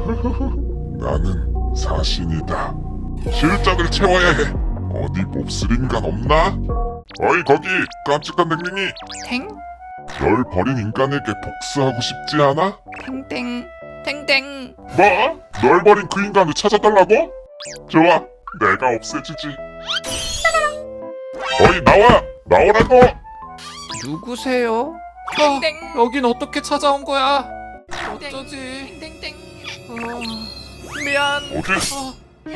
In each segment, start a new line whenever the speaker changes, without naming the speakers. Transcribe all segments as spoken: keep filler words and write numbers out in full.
나는 사신이다. 실적을 채워야 해. 어디 몹쓸 인간 없나? 어이 거기 깜찍한 댕댕이.
탱?
널 버린 인간에게 복수하고 싶지 않아?
탱탱 탱탱.
뭐? 널 버린 그 인간을 찾아달라고? 좋아, 내가 없애주지. 어이 나와! 나오라고!
누구세요?
땡땡.
아, 여긴 어떻게 찾아온 거야? 어쩌지?
땡땡.
어, 미안.
어디?
어.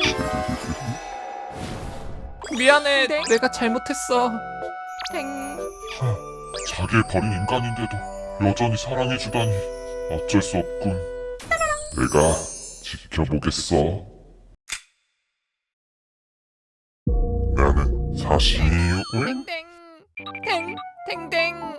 미안해.
땡.
내가 잘못했어.
탱.
자기를 버린 인간인데도 여전히 사랑해주다니 어쩔 수 없군. 내가 지켜보겠어. 나는 사신이유. 응?
땡땡. 탱. 탱탱.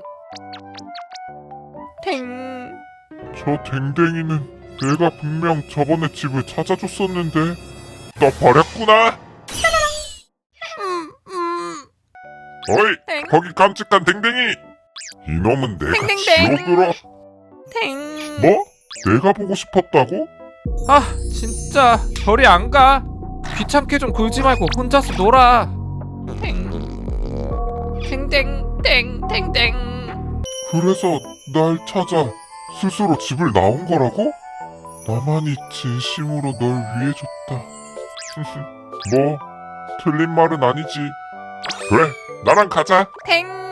탱.
저 댕댕이는 내가 분명 저번에 집을 찾아줬었는데 나 버렸구나.
음. 음.
어이
땡.
거기 깜찍한 댕댕이. 이놈은 내가
댕댕댕.
지옥으로.
탱.
뭐? 내가 보고 싶었다고?
아, 진짜 별이 안 가. 귀찮게 좀 굴지 말고 혼자서 놀아.
탱. 탱탱. 탱. 탱탱.
그래서 날 찾아 스스로 집을 나온 거라고? 나만이 진심으로 널 위해줬다. 뭐 틀린 말은 아니지. 그래 나랑 가자.
탱.